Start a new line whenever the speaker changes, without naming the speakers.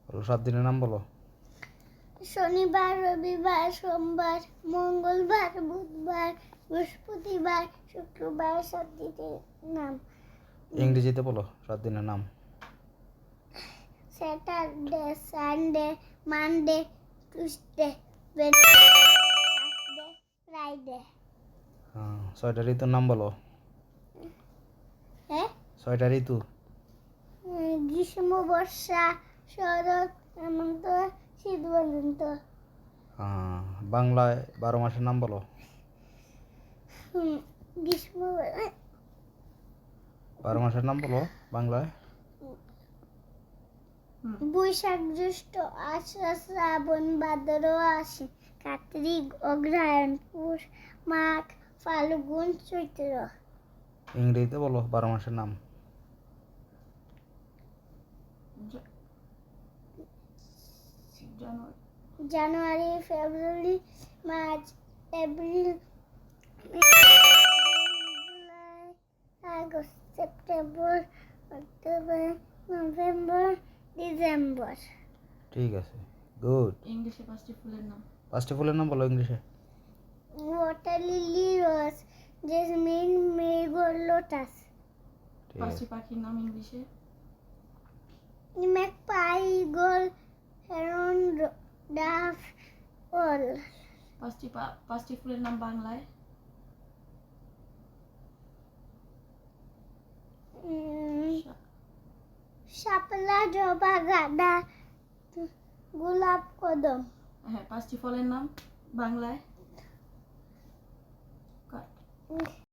বলো 7 দিনের নাম বলো।
শনিবার, রবিবার, সোমবার, মঙ্গলবার, বুধবার, বৃহস্পতিবার, শুক্রবার। 7 দিনের নাম।
ইংরেজিতে বলো 7 দিনের নাম।
Saturday, Sunday, Monday, Tuesday, Wednesday, Thursday, Friday.
হ্যাঁ, 6টা ঋতুর নাম বলো।
হ্যাঁ,
6টা ঋতু।
গ্রীষ্ম, বর্ষা, শরৎ, হেমন্ত, শীত, বসন্ত।
হ্যাঁ, বাংলায় 12 মাসের নাম বলো।
গ্রীষ্ম,
12 মাসের নাম বলো বাংলায়।
বৈশাখ, জ্যৈষ্ঠ, আষাঢ়, শ্রাবণ, ভাদ্র, আশ্বিন, কার্তিক, অগ্রহায়ণ, পৌষ, মাঘ, ফাল্গুন, চৈত্র।
ইংরেজিতে বলো 12 মাসের নাম।
January, February, March, April, May, July, August, September, October, November, December.
ঠিক আছে, গুড।
ইংলিশে 5টি ফুলের নাম।
5টি ফুলের নাম বলো ইংলিশে।
Water lily, rose, jasmine, marigold, lotus.
ঠিক
5টি
আছে।
পাখির নাম ইংলিশে।
ম্যাকপাই, ঈগল, হেরন, ডাফ, ওল।
5টি ফুলের নাম বাংলায়।
শাপলা, জবা, গাঁদা, গোলাপ, কদম।
হ্যাঁ, 5টি ফলের নাম বাংলায়।